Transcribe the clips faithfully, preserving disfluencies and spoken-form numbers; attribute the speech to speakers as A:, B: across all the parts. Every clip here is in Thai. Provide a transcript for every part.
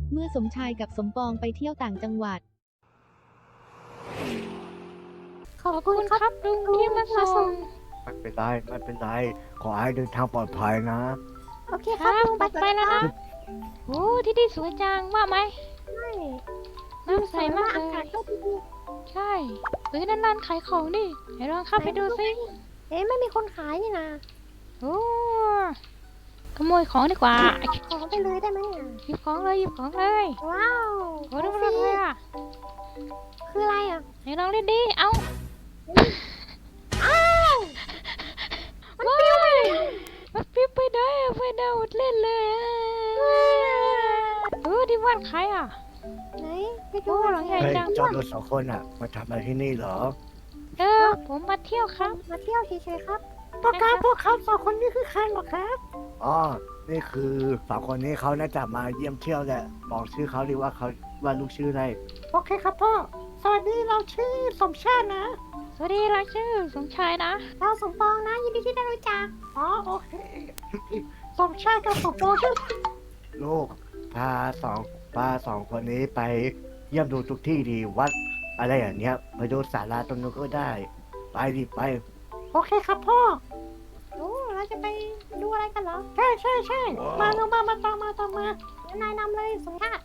A: เมื่อสมชายกับสมปองไปเที่ยวต่างจังหวัด
B: ขอบคุณครับลุงที่มาส่ง
C: ไม่เป็นไรไม่เป็นไรขอให้เดินทางปลอดภัยนะ
B: โอเคครับลุงไปไปแล้วนะโอ้ที่นี่สวยจังว่าไหมใช่น้ำใสมากเลยอากาศก็ดีใช่เฮ้ยนั่นร้านขายของดิเดี๋ยวลองเข้าไปดูสิเอ๊ะไม่มีคนขายนี่นะโอ้ขโมยของดีกว่าของไปเลยได้ไหมเนี่ยหยิบของเลยหยิบของเลยว้าวโอ้ดูมันเลยอ่ะคืออะไรอ่ะไหนลองเล่นดิเอ้าอ้าวมันปิ้วไปมันปิ้วไปได้อะไปดาวเล่นเลยอ่ะเออที่บ้านใครอ่ะไหนไปดูหลังใหญ่
C: เฮ้ย
B: จัง
C: เจ้าตัวสองคนอ่ะมาทำอะไรที่นี่เหรอ
B: เออผมมาเที่ยวครับมาเที่ยวเฉยๆครับพวกครับพวกครับสองคนนี้คือใครหรอครับ
C: อ๋อนี่คือสองคนนี้เขาน่าจะมาเยี่ยมเที่ยวแหละบอกชื่อเขาดีว่าเขาว่าลูกชื่ออะไร
B: โอเคครับพ่อสวัสดีเราชื่อสมชาตินะสวัสดีเราชื่อสมชายนะเราสมปองนะยินดีที่ได้รู้จักอ๋อโอเคสมชายกับสมปองชื่อ
C: ลูกพาสองพาสองคนนี้ไปเยี่ยมดูทุกที่ดีวัดอะไรอย่างเงี้ยไปดูศาลาตรงนู้นก็ได้ไปดิไป
B: โอเคครับพ่อโอ้เราจะไปดูอะไรกันเหรอใช่ใช่ใช่มาเร็วมามาตามมาตามมานายนำเลยสมชาติ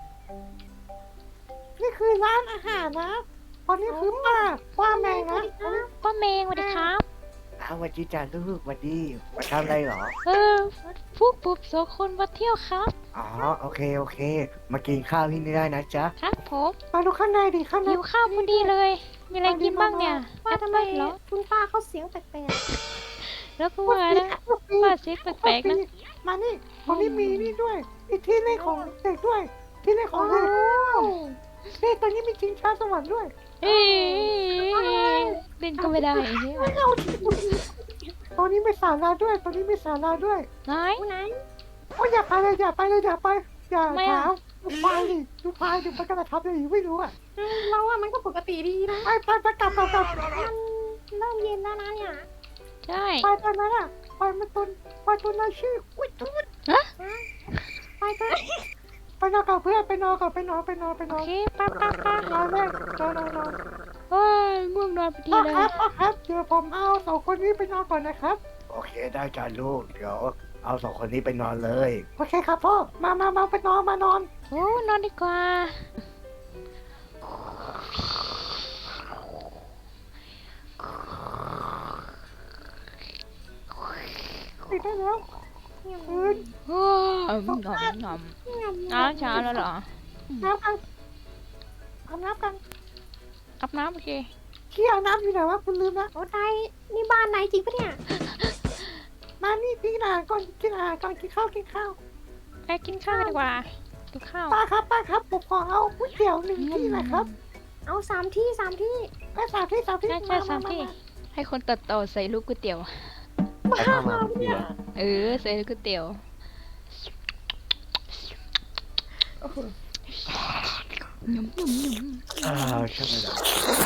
B: นี่คือร้านอาหารนะตอนนี้คือป้าป้าแมงนะป้าแมงสวัสดีครับ
C: อ้าวสวัสดีจ้าลูกสวัสดีมาทำอะไรเหรอ
B: เออพวกปุ๊บสองคนมาเที่ยวครับ
C: อ๋อโอเคโอเค มากินข้าวที่นี่ได้นะจ๊ะ
B: ครับผมมาดูข้างในดิข้างในหิวข้าวพอดีเลย มีอะไรกินบ้างเนี่ยป้าทำไมเหรอคุณป้าเขาเสียงแปลกๆแล้วก็ว่านะป้าเสียงแปลกๆนะมานี่ตรงนี้มีนี่ด้วยมีที่เล่นของเด็กด้วยที่เล่นของเด็กนี่ตอนนี้มีชิงช้าสวรรค์ด้วยเอ๊ะเล่นก็ไม่ได้เนี่ยตอนนี้มีศาลาด้วยตอนนี้มีศาลาด้วยไหนไหนโอ้ยอย่าไปเลยอย่าไปเลยอย่าไปอย่าถามดูพายดิดูพายดิมันกำลังทำอะไรอยู่ไม่รู้อ่ะเราอะมันก็ปกติดีนะไปไปไปกลับกลับกลับมันเริ่มเย็นแล้วนะเนี่ยใช่ไปตอนนั้นอ่ะไปมันตุนไปตุนนายชื่ออุ้ยตุนฮะไปไปไปนอนกับเพื่อนไปนอนกับไปนอนไปนอนไปนอนโอเคไปไปไปนอนเลยนอนนอนนอนเฮ้ยง่วงนอนพอดีเลยครับครับเดี๋ยวผมเอาสองคนนี้ไปนอนก่อนนะครับ
C: โอเคได้จ้าลูกเดี๋ยวเอาสองคนนี้ไปนอนเลย
B: โอเคครับพ่อมามามาไปนอนมานอนโอ้นอนดีกว่าปิดได้แล้วคืนโอ้ยงอมงอมน้ำช้าแล้วเหรอน้ำกันอาบน้ำกันอาบน้ำโอเคที่อาบน้ำอยู่ไหนวะคุณลืมละโอ้ไทยนี่บ้านไหนจริงปะเนี่ยมานี่กินอาหารก่อนกินอาหารก่อนกินข้าวกินข้าวไปกินข้าวดีกว่ากินข้าวป้าครับป้าครับผมขอเอาก๋วยเตี๋ยวหนึ่งที่นะครับเอาสามที่สามที่ไปสามที่สามที่ใช่ใช่สามที่ให้คนตัดต่อใส่ลูกก๋วยเตี๋ยวมามาเนี่ยเออใส่ลูกก๋วยเตี๋ยวยำยำยำ
C: อ่าใช่ไหมล่ะ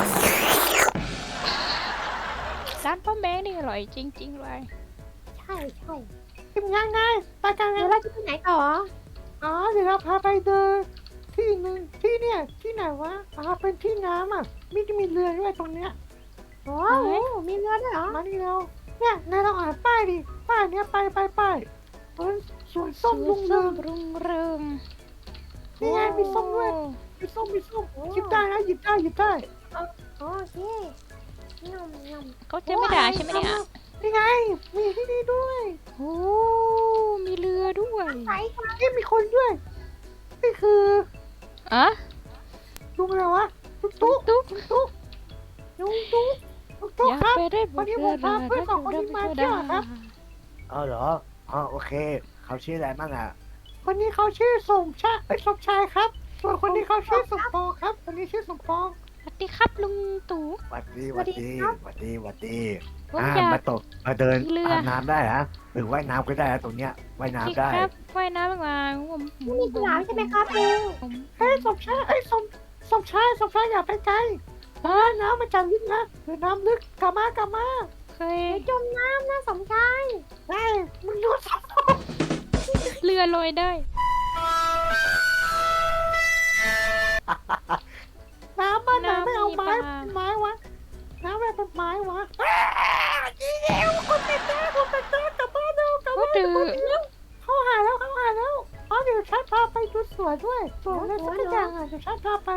B: ร้านป้าแมงนี่อร่อยจริงๆเลยใช่ใช่ทีมงานไงไปกันเลยแล้วจะไปไหนต่ออ๋อเดี๋ยวเราพาไปเดินที่หนึ่งที่เนี่ยที่ไหนวะอ๋อเป็นที่น้ำอ่ะมีจะมีเรือด้วยตรงเนี้ยโอ้มีเรือด้วยเหรอมาดิเราเนี่ยนายลองอ่านป้ายดิป้ายเนี้ยไปไปไปเป็นสวนส้มรุ่งเรืองรุ่งเรืองนี่ไงมีส้มด้วยมีส้มมีส้มหยิบได้นะหยิบได้หยิบได้โอเคยำยำเขาจะไม่ด่าใช่ไหมเนี่ยนี่ไงมีที่นี่ด้วยโอ้มีเรือด้วยนี่มีคนด้วยนี่คืออะลุงอะไรวะตุ๊กตุ๊กตุ๊กตุ๊กลุงตุ๊กตุ๊กตุ๊กครับวันนี้ผมพาเพื่อนสองคนนี้มาเที่ยวครับ
C: อ๋อเหรออ๋อโอเคเขาชื่ออะไรบ้างอ่ะ
B: คนนี้เขาชื่อสมชายไอ้สมชายครับส่วนคนนี้เขาชื่อสมปองครับคนนี้ชื่อสมปองสวัสดีครับลุงตู่
C: หวัดดีหวัดดีหวัดดีหวัดดี
B: ผม
C: อ่า
B: อยาก
C: มาตกมาเดิน
B: เรือ
C: อาบน้ำได้ฮะหรือว่ายน้ำก็ได้นะตรงเนี้ยว่ายน้ำได้
B: ครับว่ายน้ำมาผมมีสนามใช่ไหมครับลุงเฮ้ยสมชายไอ้สมสมชายสมชายอย่าไปไกลอ่าน้ำมันจะลึกนะหรือน้ำลึกกลับมากลับมาเคยจมน้ำนะสมชายได้มึงรู้สมเรือลอยได้ไปดูสวนด้วยสวนอะไรสักอย่างอ่ะเดี๋ยวฉันพาไป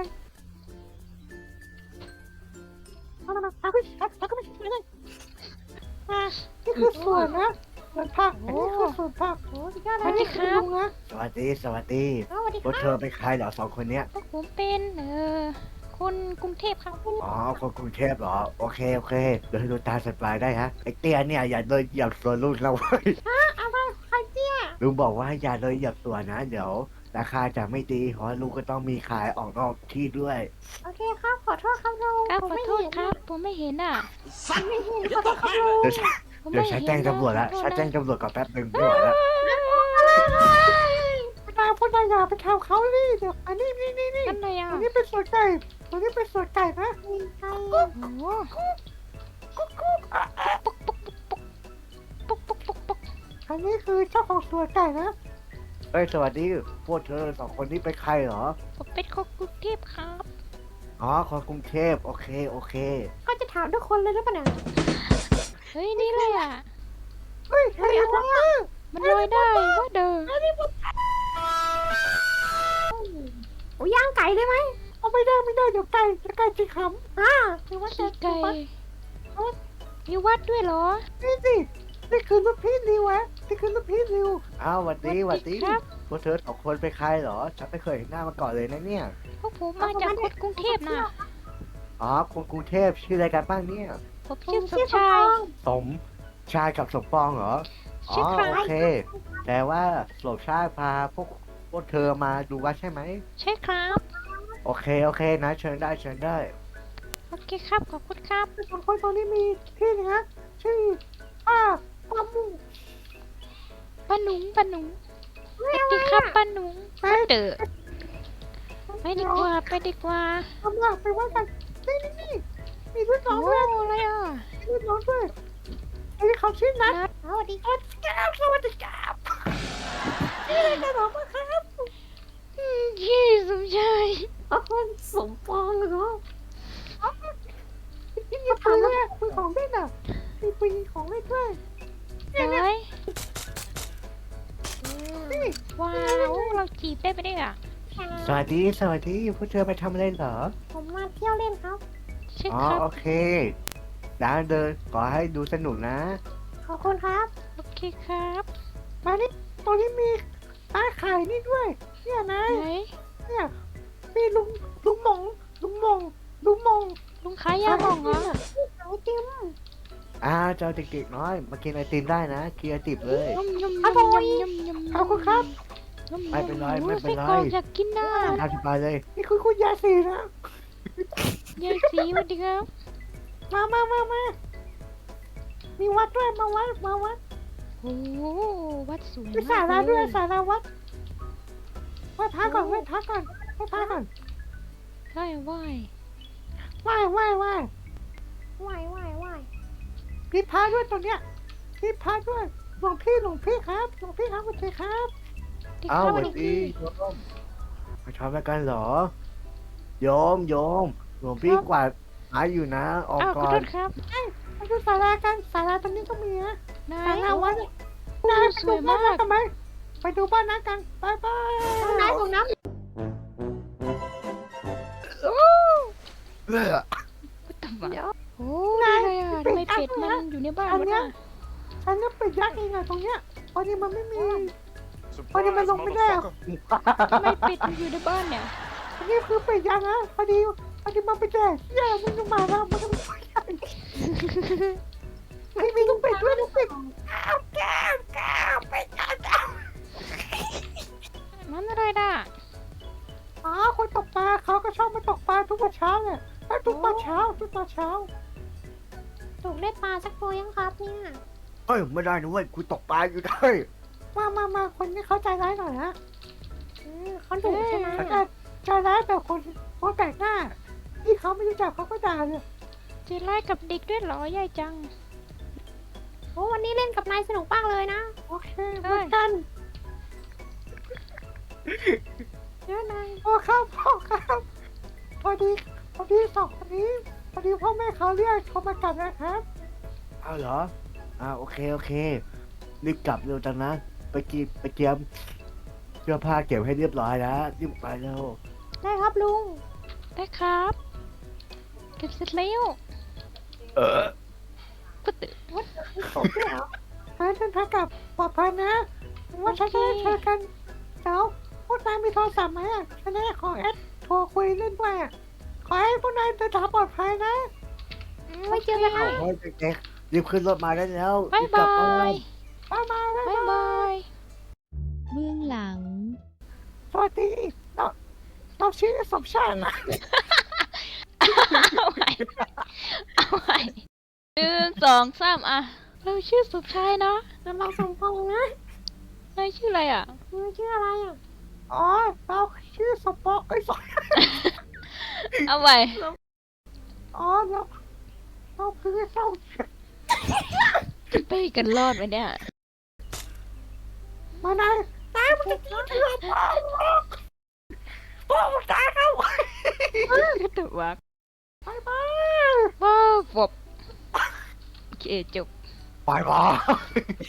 B: มามาพาไปพาไปไปเลยมานี่คือสวนนะสวนผักอันนี้คือสวนผักโอ้ยยอดเลยนี่คือลุงนะ
C: สวัสดีสวัสดี
B: สวัสดี
C: พวก
B: ค
C: เธ
B: รับ
C: อเป็นใครเหรอสองคนเนี้ย
B: ผมเป็นเอ่อคนกรุงเทพครับ
C: อ๋อคนกรุงเทพเหรอโอเคโอเคเดี๋ยวให้ดูตามสบายได้ฮะไอ้เตี้ยเนี่ยอย่าเลยเหยียบสวนลุงเราเว้ย
B: อะไรใครเตี้ย
C: ลุงบอกว่าอย่าเลยเหยียบสวนนะเดี๋ยวราคาจะไม่ดีเพราะลุงก็ต้องมีขายออกนอกที่ด้วย
B: โอเคครับขอโทษครับลุงครับขอโทษครับผมไม่เห็นอ่ะผมไม่เห็นขอโทษครับลุง
C: เดี๋ยวฉันเดี๋ยวฉันแจ้งตำรวจละฉันแจ้งตำรวจก่อนแป๊บหนึ่งไม่ไหวละ
B: นายพูดนายอย่าไปทำเขาดิเดี๋ยวอันนี้นี่นี่นี่
D: นั่นไงอ่ะ
B: อันนี้เป็นสวนไก่อันนี้เป็นสวนไก่นะไก่
D: โอ้
B: กุ๊กกุ๊กอันนี้คือเจ้าของสวนไก่นะ
C: เฮ้ยสวัสดีพวกเธอสองคนนี้เป็นใครเหรอ
D: ผมเป็นคนกรุงเทพครับ
C: อ๋อคนกรุงเทพโอเคโอเค
B: ก็จะถามทุกคนเลยหรือเปล่าเนี่ย
D: เฮ้ยนี่เลยอ่ะ
B: เฮ้ยเฮ้ยเอาละ
D: มันลอยได้ว่าเดิน
B: โอ้ย่างไก่ได้ไหมเอาไม่ได้ไม่ได้เดี๋ยวไก่จะไก่จะขำอ่าคือว่าจะ
D: ขี้ไก่มีวัดด้วยเหรอ
B: นี่สินี่คือลูกพี่ริวะนี่คือลูกพี่ริว
C: อ้าวหวัดดีหวัดดี
D: ครับ
C: พวกเธอสองคนเป็นใครเหรอฉันไม่เคยเห็นหน้ามาก่อนเลยนะเนี่ย
D: พวกผมมาจากคนกรุงเทพนะ
C: อ๋อคนกรุงเทพชื่ออะไรกันบ้างเนี่ย
D: ผมชื่อสมชาย
C: สมชายกับสมปองเหรอ อ๋
D: ชื่
C: อ
D: อใคร
C: โอเค แต่ว่าสมชายพาพวกพวกเธอมาดูวัดใช่ไหม
D: ใช่ครับ
C: โอเคโอเคนะเชิญได้เชิญได้
D: โอเคครับขอบคุณครับ
B: สองคนตอนนี้มีพี่หนึงนะชื่อป้าป้ามุ่ง
D: ป้าหนุงป้าหนุงสวัสดีครับป้าหนุง
B: ไป
D: เดอไปดีกว่าไปดีกว่า
B: ทำหลักไปว่ากันนี่นี่นี่มีรุ่นน้
D: โอ้
B: องด้วย
D: อะไรอ่ะ
B: มีรุ่นน้องด้วยไอ้เขาชื่อนัท
D: นัด
B: สวัสดีครับสวัสดีครับนี่เลยกันหรอมาครับ
D: อืมยี่สมชาย
B: อ๋อสมปองเหรอนี่มีปืนด้วยปืนของเล่นอ่ะมีปืนของเล่นด้วย
D: ร้อย
B: นี่
D: ว้าวเราจีบได้ไปได้อ่ะ
C: สวัสดีสวัสดีพวกเธอไปทำอะไรเหรอ
B: ผมมาเที่ยวเล่นครับ
D: ใช่
C: อ๋อ
D: ครับ
C: โอเคร้านเดินขอให้ดูสนุกนะ
B: ขอบคุณครับ
D: โอเคครับ
B: มานี่ตรงนี้มีร้านขายนี่ด้วย เนี่ยนาย
D: ไหน
B: เนี่ยมีลุงลุงหมงลุงหมงลุงหมง
D: ลุงขายยาหม่องเหรอ
B: ขายไอติม
C: อ่าเจ้าเด็กๆน้อยมากินไอติมได้นะกินไอติมเลย
D: ยำยำ
B: อร่
D: ยำ
B: อย
D: ยำยำยำ
B: ขอบคุณครับ
D: ยำ
C: ไม่เป็นไรไม่เป็นไร
D: โอ้ยไส้กรอกอยากกินนะ
C: ทานสบายเลย
B: นี่คือคุณยายสีนะ
D: ยายสีสวัสดีครับ
B: มามามามามีวัดด้วยมาวัดมาวัด
D: โอ้โหวัดสูง
B: มีสาราด้วยสาราวัดไหว้พระก่อนไหว้พระก่อนไหว้พระก่อน
D: ใช่ไหว
B: ไหว้ไหว้ไหว้ไหว้ไหว้ไหว้มีพระด้วยตรงเนี้ยมีพระด้วยหลวงพี่หลวงพี่ครับหลวงพี่ครับสวัสดีครับ
D: ดี
C: อ้า
D: คว รับ
C: สวัส
D: ดี
C: ดีโยมมาทำอะไรกันเหรอ โยมโยมหลวงพี่กวาดหาอยู่นะ ออก
D: อ้าวข
C: ก่
D: อ
C: อ
D: โท
C: น
D: ษครับ
B: ไปดูศาลากันศาลาตรงนี้ก็มีนะ
D: นา
B: ศายลาวัดนายไป
D: ส
B: ดู
D: วย
B: บ้าม
D: าน ก
B: นั้นทำไมไปดูบ้านนั้นกันบายบายนายของน้
C: เออ
D: ตำ
B: ำเดี๋ยว
D: โอ้นี่อะไรอ่ะทำไมเป็ดมันอยู่ในบ้านวะเนี่ย
B: ฉันจะไปยักษ์เองอะตรงเนี้ยพอดีมันไม่มีพอดีมันลงไม่ได้อะ
D: ทำไมเป็ดมันอยู่ในบ้านเนี่ย
B: อันนี้คือไปยักษ์นะพอดีพอดีมันไปแดกเหี้ยมันจะมาแล้วมันจะมาไม่มีลูกเป็ดด้วยลูกเป็ดก้าวแก้วแก้วเป็ดก้าว
D: มันอะไรน่ะ
B: อ๋อคนตกปลาเขาก็ชอบมาตกปลาทุกวันเช้าเนี่ยทุกวันเช้าทุกวันเช้าตกได้ปลาสักตัวยังครับเนี่ย
C: เฮ้ยไม่ได้นะเว้ยกูตกปลาอยู่ได้
B: มามามาคนนี้เขาใจร้ายหน่อยนะเขาดุใช่ไหมใจร้ายแต่คนคนแปลกหน้าที่เขาไม่รู้จักเขาก็ด่าเลย
D: เจะไล่กับเด็กด้วยเหรอยายจัง
B: โอ้วันนี้เล่นกับนายสนุกมากเลยนะ โอเคเหมือนกันเดี๋ยวนายพ่อครับพ่อครับพอดีพอดีสองคนนี้พอดีพ่อแม่เขาเรียกเขามากลับนะครับ
C: เอาเหรออ่าโอเคโอเครีบกลับเร็วจังนะ ไปกีไปเตรียมเสื้อผ้าเก็บให้เรียบร้อยนะรีบไปแล้ว
B: ได้ครับลุง
D: ได้ครับ เก็บเสร็จแล้ว
C: เออ
D: ก็ตื่น
B: วัดไม่ตกด้วยเหรอขอให้เดินทางกลับปลอดภัยนะว่าฉันจะได้เจอกันเดี๋ยวพวกนายมีโทรศัพท์ไหมอะฉันจะได้ขอแอดโทรคุยเล่นด้วยอะขอให้พวกนายเดินทางปลอดภัยนะไว้เจอกันนะ
C: โอ้ยเด็กๆรีบขึ้นรถมาได้แล้ว
D: บาย
C: รีกลั
D: บา
C: บ้น
D: ย
B: บ๊ายบาย
D: บายบาย
A: เบื้องหลัง
B: สวัสดีเราเราชื่อสมชายนะ
D: เอาใหม่เอาใหม่หนึ่งสองสามอ่ะ เราชื่อสุดชายนะ
B: แล้วเราสมพงษ์นะ
D: นายชื่ออะไรอ่ะ
B: มึงชื่ออะไรอ่ะอ๋อเราชื่อสมปองเอ้ยสม
D: เอาใหม่
B: อ๋อเราเราคือเศร้า
D: ไปกันรอดไหมเนี่ย
B: มานายนายมันจะกินเถื่อนพ่อพ่อมันตายแล้ว
D: ก็ตัววัก
B: บายบาย
D: ว้าวบบโอเคจบ
C: ไปก่อน